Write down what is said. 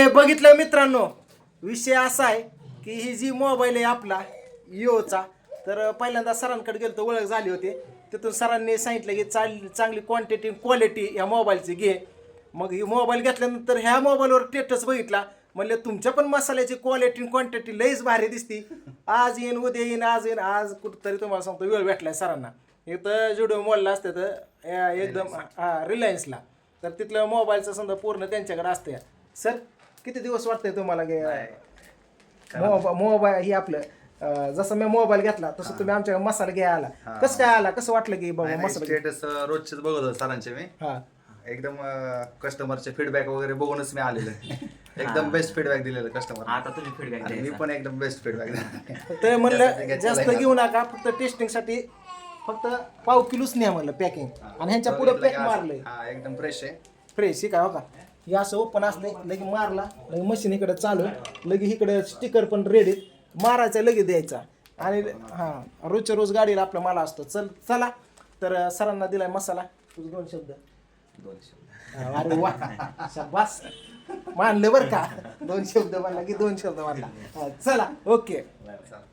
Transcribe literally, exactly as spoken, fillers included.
बघितलं मित्रांनो, विषय असा आहे की ही जी मोबाईल आहे आपला इओचा, तर पहिल्यांदा सरांकडे गेलो तर ओळख झाली होती. तिथून सरांनी सांगितलं की चाल चांगली क्वांटिटी क्वालिटी या मोबाईलची घे. मग ही मोबाईल घेतल्यानंतर ह्या मोबाईलवर स्टेटस बघितला, म्हणले तुमच्या पण मसाल्याची क्वालिटी क्वांटिटी लईच भारी दिसती. आज येईन उद्या येईन आज येईन आज कुठंतरी तुम्हाला सांगतो वेळ भेटलाय सरांना. इथं जुडिओ मॉलला असते तर एकदम हां रिलायन्सला, तर तिथलं मोबाईलचं समजा पूर्ण त्यांच्याकडे असतं. सर किती दिवस वाटतंय तुम्हाला की मोबा मोबाईल ही आपलं अं, जसं मी मोबाईल घेतला तसं तुम्ही आमच्या मसाला घ्यायला आला, कसं काय आला, कसं वाटलं की बाबा मसाला घे- स्टेटस रोजचेच बघत होतो सरांचे मी. हा एकदम कस्टमरचे फीडबॅक वगैरे बघूनच मी आलेलो आहे. एकदम बेस्ट फीडबॅक दिलेलं कस्टमर. आता तुम्ही फीडबॅक मी पण एकदम बेस्ट फीडबॅक दिला. तर म्हणलं जास्त घेऊ नका, फक्त टेस्टिंगसाठी फक्त पाव किलोच न्या म्हणलं पॅकिंग, आणि ह्यांच्या पुढे पॅक मारलंय हा एकदम फ्रेश आहे. फ्रेश. काय हो का हे असं ओपन असलंय, लगे मारला लगे मशीन इकडे चालू, लगे इकडे स्टिकर पण रेडी मारायचा लगे द्यायचा. आणि हां रोजच्या रोज गाडीला आपला माल असतो. चल चला तर सरांना दिलाय मसाला. तुझं दोन शब्द. दोन शब्द. हा, अरे वा शाबास, मानलं बरं का. दोन शब्द म्हणला की दोन शब्द म्हणला. हा, चला ओके. चालेल.